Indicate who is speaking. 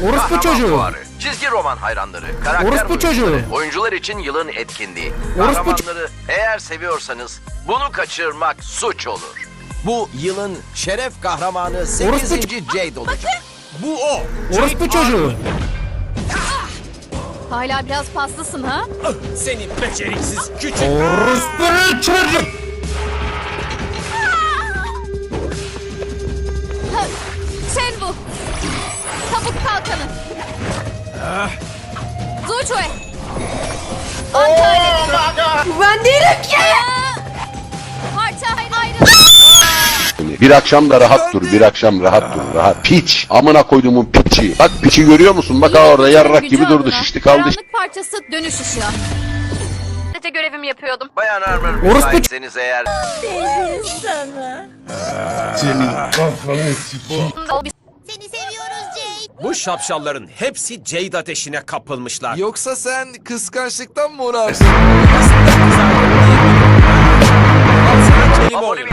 Speaker 1: Orospu
Speaker 2: kahraman
Speaker 1: çocuğu.
Speaker 2: fuarı, çizgi roman hayranları, karakter
Speaker 1: Orospu
Speaker 2: oyuncuları,
Speaker 1: çocuğu.
Speaker 2: oyuncular için yılın etkinliği.
Speaker 1: Orospu
Speaker 2: Kahramanları eğer seviyorsanız bunu kaçırmak suç olur.
Speaker 3: Bu yılın şeref kahramanı 8. Jade olacak. Bu o.
Speaker 1: Orospu çocuğu.
Speaker 4: Hala biraz paslısın ha?
Speaker 3: Seni beceriksiz küçük.
Speaker 1: Orospu çocuğu.
Speaker 4: Sen bu. Tabut kalkanı. Zuçue. Antalya.
Speaker 5: Ben değilim ki.
Speaker 4: Parça ayrı.
Speaker 6: Bir akşam da rahat dur, bir akşam rahat dur, rahat. Piç, amına koyduğumun piçi. Bak piçi görüyor musun? Bak ha orada yarrak gibi durdu, şişti kaldı.
Speaker 4: Karanlık parçası dönüş ışığı. Sadece görevimi yapıyordum.
Speaker 2: Bayan Armor
Speaker 1: Orospu-
Speaker 2: müsaitseniz eğer...
Speaker 4: Seni seviyoruz Jade.
Speaker 3: Bu şapşalların hepsi Jade ateşine kapılmışlar.
Speaker 7: Yoksa sen kıskançlıktan mı uğrarsın?
Speaker 3: Al sana kelime oyunu.